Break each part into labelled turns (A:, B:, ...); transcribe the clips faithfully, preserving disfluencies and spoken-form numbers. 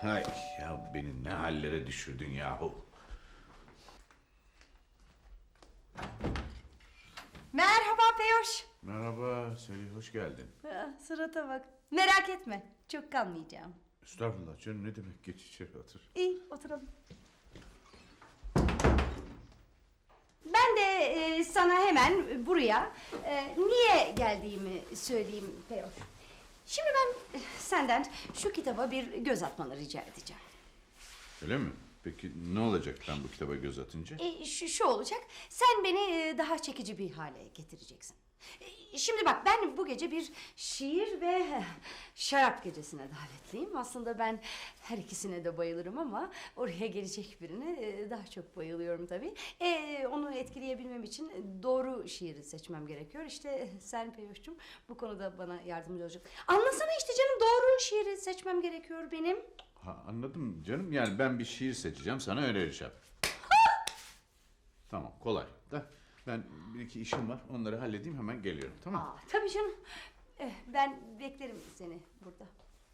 A: Hay ya, beni ne hallere düşürdün yahu.
B: Merhaba Peyoş.
A: Merhaba Selin, hoş geldin.
B: Ah, surata bak. Merak etme, çok kalmayacağım.
A: Estağfurullah canım, ne demek, geç içeri otur.
B: İyi, oturalım. Ben de e, sana hemen buraya e, niye geldiğimi söyleyeyim Peyoş. Şimdi ben e, senden şu kitaba bir göz atmanı rica edeceğim.
A: Öyle mi? Peki ne olacak ben bu kitaba göz atınca?
B: E, şu, şu olacak, sen beni e, daha çekici bir hale getireceksin. E, şimdi bak, ben bu gece bir şiir ve eh, şarap gecesine davetliyim. Aslında ben her ikisine de bayılırım ama oraya gelecek birine e, daha çok bayılıyorum tabii. E, onu etkileyebilmem için doğru şiiri seçmem gerekiyor. İşte sen Peyoş'cum bu konuda bana yardımcı olacak. Anlasana işte canım, doğru şiiri seçmem gerekiyor benim.
A: Ha, anladım canım, yani ben bir şiir seçeceğim, sana önereceğim. Tamam, kolay da ben bir iki işim var, onları halledeyim, hemen geliyorum, tamam mı?
B: Aa, tabii canım. Eh, ben beklerim seni burada.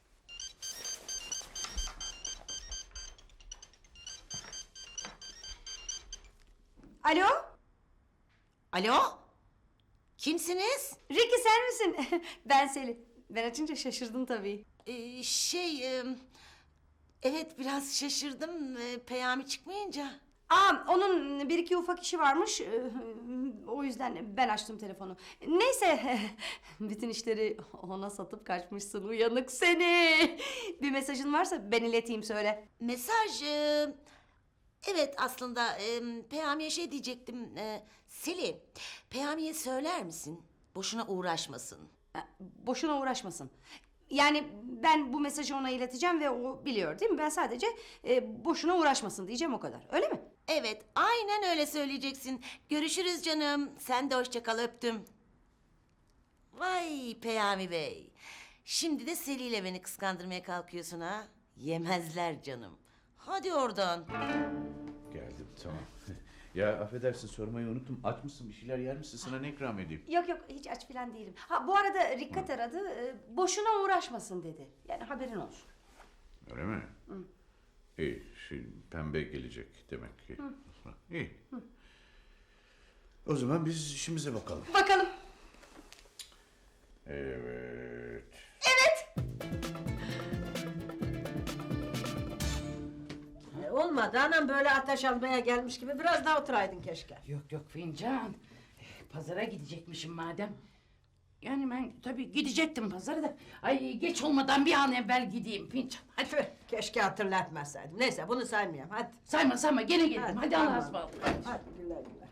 B: Alo?
C: Alo? Kimsiniz?
B: Ricky sen misin? Ben Selin. Ben açınca şaşırdın tabii.
C: Ee, şey, e, evet biraz şaşırdım e, Peyami çıkmayınca.
B: Aa, onun bir iki ufak işi varmış. eh, O yüzden ben açtım telefonu. Neyse, bütün işleri ona satıp kaçmışsın, uyanık seni. Bir mesajın varsa ben ileteyim, söyle.
C: Mesaj, e, evet aslında e, Peyami'ye şey diyecektim. E, Selin, Peyami'ye söyler misin? Boşuna uğraşmasın.
B: Ha, boşuna uğraşmasın. Yani ben bu mesajı ona ileteceğim ve o biliyor değil mi? Ben sadece e, boşuna uğraşmasın diyeceğim, o kadar. Öyle mi?
C: Evet, aynen öyle söyleyeceksin. Görüşürüz canım. Sen de hoşça kal, öptüm. Vay Peyami Bey. Şimdi de Selin ile beni kıskandırmaya kalkıyorsun ha? Yemezler canım. Hadi oradan.
A: Geldim, tamam. Ya affedersin, sormayı unuttum, aç mısın, bir şeyler yer misin, sana ne ikram edeyim?
B: Yok yok, hiç aç falan değilim. Ha, bu arada Rikkat aradı. e, boşuna uğraşmasın dedi. Yani haberin olsun.
A: Öyle mi? Hı. İyi, şimdi pembe gelecek demek ki. Hı. İyi. Hı. O zaman biz işimize bakalım.
B: Bakalım.
A: Evet.
D: E, Olmadı anam, böyle ateş almaya gelmiş gibi biraz daha oturaydın keşke.
E: Yok yok fincan. Eh, Pazara gidecekmişim madem. Yani ben tabii gidecektim pazara da. Ay geç olmadan bir an evvel gideyim fincan. Hadi.
D: Tüh, keşke hatırlatmasaydım. Neyse bunu saymayayım hadi.
E: Sayma sayma gene gelirim. Hadi,
D: tamam.
E: Allah'a ısmarladık.
D: Hadi güle güle.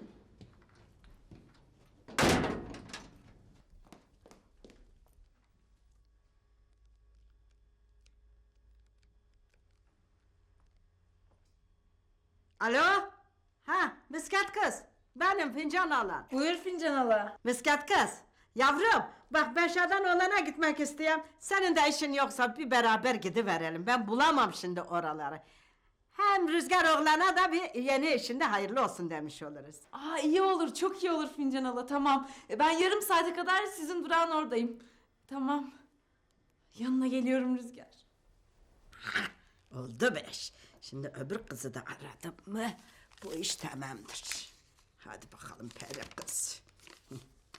D: Alo? Ha, miskat kız. Benim fincan alan.
F: Buyur fincan hala.
D: Miskat kız. Yavrum, bak ben şadan olana gitmek istiyorum. Senin de işin yoksa bir beraber gidiverelim. Ben bulamam şimdi oraları. Hem Rüzgar oğlana da bir yeni işinde hayırlı olsun demiş oluruz.
F: Aa iyi olur, çok iyi olur fincan hala, tamam. E, Ben yarım saate kadar sizin durağın oradayım. Tamam. Yanına geliyorum Rüzgar.
D: Oldu beş. Şimdi öbür kızı da aradım mı bu iş tamamdır. Hadi bakalım peri kız. Hı.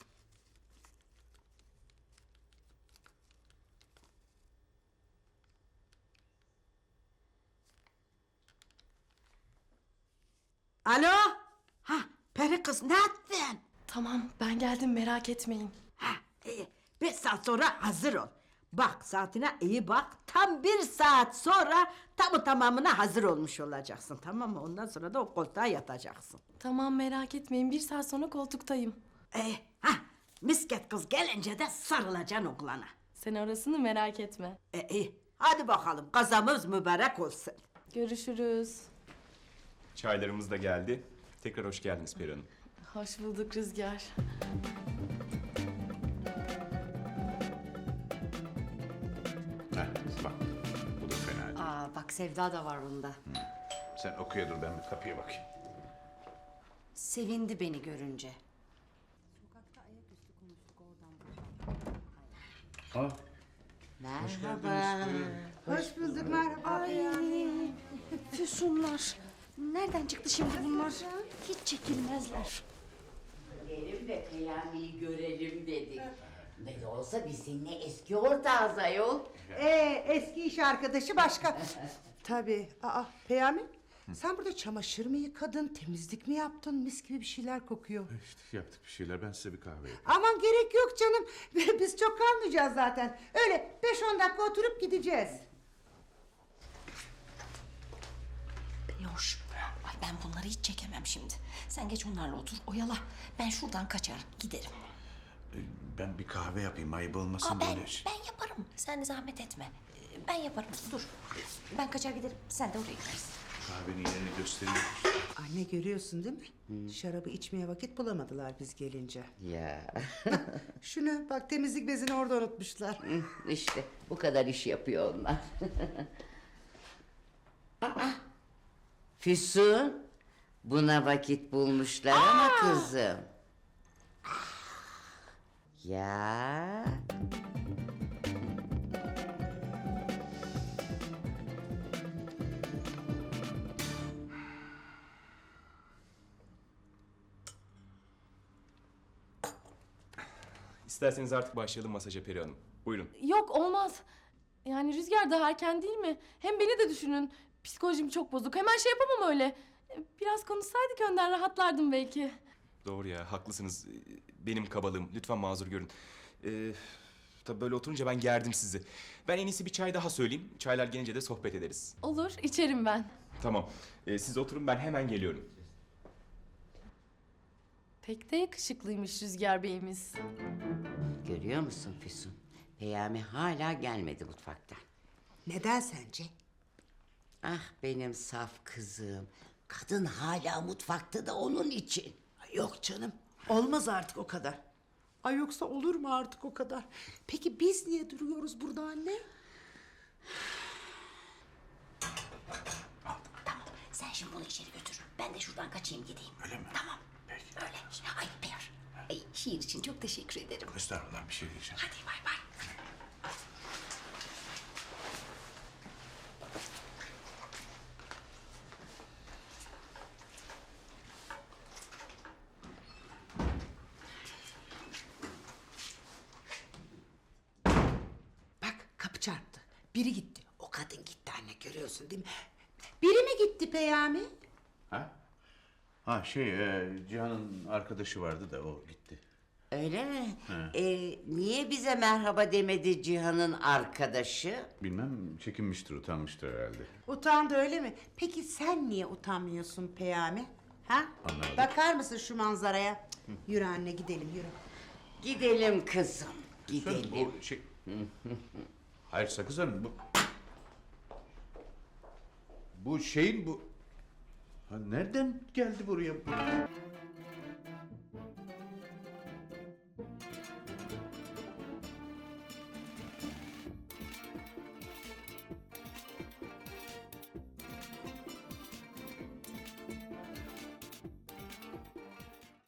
D: Alo? Ha, peri kız ne yaptın?
F: Tamam, ben geldim, merak etmeyin.
D: Ha, iyi. Bir saat sonra hazır ol. Bak saatine iyi bak. Tam bir saat sonra tamı tamamına hazır olmuş olacaksın. Tamam mı? Ondan sonra da o koltuğa yatacaksın.
F: Tamam, merak etmeyin, bir saat sonra koltuktayım.
D: Ee, ha, misket kız gelince de sarılacaksın oğlana.
F: Sen orasını merak etme.
D: E, iyi. Hadi bakalım kazamız mübarek olsun.
F: Görüşürüz.
G: Çaylarımız da geldi. Tekrar hoş geldiniz Peri Hanım.
F: Hoş bulduk Rüzgar.
A: Heh, bak, bu da fena değil.
B: Aa, bak Sevda da var bunda.
A: Sen okuya dur, ben bir kapıya bakayım.
B: Sevindi beni görünce.
A: Aa,
C: Merhaba.
D: Hoş bulduk, merhaba.
B: Ay, Füsunlar. Nereden çıktı şimdi bunlar? Hiç çekilmezler.
E: Gelelim de Peyami'yi görelim dedik. Ne de olsa biz seninle eski ortağız ayol.
H: Ee, eski iş arkadaşı başka. Tabii. Aa, Peyami, sen burada çamaşır mı yıkadın, temizlik mi yaptın? Mis gibi bir şeyler kokuyor.
A: İşte yaptık bir şeyler. Ben size bir kahve yapayım.
H: Aman gerek yok canım. Biz çok kalmayacağız zaten. Öyle beş on dakika oturup gideceğiz.
C: Peyoş. Ay ben bunları hiç çekemem şimdi. Sen geç onlarla otur oyala. Ben şuradan kaçar giderim.
A: Ee, Ben bir kahve yapayım. Ayıp olmasın
C: Aa, ben,
A: böyle. şey.
C: ben yaparım. Sen de zahmet etme. Ee, Ben yaparım. Dur. Ben kaçar giderim. Sen de oraya gidersin.
A: Kahvenin yerini göstereyim.
H: Anne görüyorsun değil mi? Şarabı içmeye vakit bulamadılar biz gelince.
I: Ya
H: Şunu bak, temizlik bezini orada unutmuşlar.
I: işte bu kadar iş yapıyor onlar. Aa, Füsun, buna vakit bulmuşlar ama kızım. Ya
G: İsterseniz artık başlayalım masaja Peri Hanım. Buyurun.
F: Yok olmaz. Yani Rüzgar daha erken değil mi? Hem beni de düşünün. Psikolojim çok bozuk. Hemen şey yapamam öyle. Biraz konuşsaydık önden rahatlardım belki.
G: Doğru ya, haklısınız. Ee, Benim kabalığım. Lütfen mazur görün. Ee, tabii böyle oturunca ben gerdim sizi. Ben en iyisi bir çay daha söyleyeyim. Çaylar gelince de sohbet ederiz.
F: Olur, içerim ben.
G: Tamam. Ee, siz oturun, ben hemen geliyorum.
F: Pek de yakışıklıymış Rüzgar Bey'imiz.
I: görüyor musun Füsun? Peyami hala gelmedi mutfaktan.
H: Neden sence?
I: Ah benim saf kızım. Kadın hala mutfakta da onun için.
H: Yok canım, olmaz artık o kadar. Ay yoksa olur mu artık o kadar? Peki biz niye duruyoruz burada anne?
C: Sen şimdi bunu içeri götür. Ben de şuradan kaçayım gideyim.
A: Öyle mi?
C: Tamam.
A: Peki.
C: Öyle. Ay Peyar. Ay, şiir için çok teşekkür ederim.
A: Estağfurullah, bir şey diyeceğim.
C: Hadi bay bay.
H: Bak, kapı çarptı. Biri gitti. O kadın gitti anne, görüyorsun değil mi? Biri mi gitti Peyami?
A: Ha? Ha şey, e, Cihan'ın arkadaşı vardı da o gitti.
I: Öyle mi? Ee, niye bize merhaba demedi Cihan'ın arkadaşı?
A: Bilmem, çekinmiştir, utanmıştır herhalde.
H: Utandı öyle mi? Peki sen niye utanmıyorsun Peyami? Ha?
A: Anlamadım.
H: Bakar mısın şu manzaraya? Cık, Yürü anne, gidelim yürü.
I: Gidelim kızım,
A: Lütfen,
I: gidelim.
A: bu şey... Hayır Sakız Hanım, bu... Bu şeyin bu... Ha, nereden geldi buraya bu?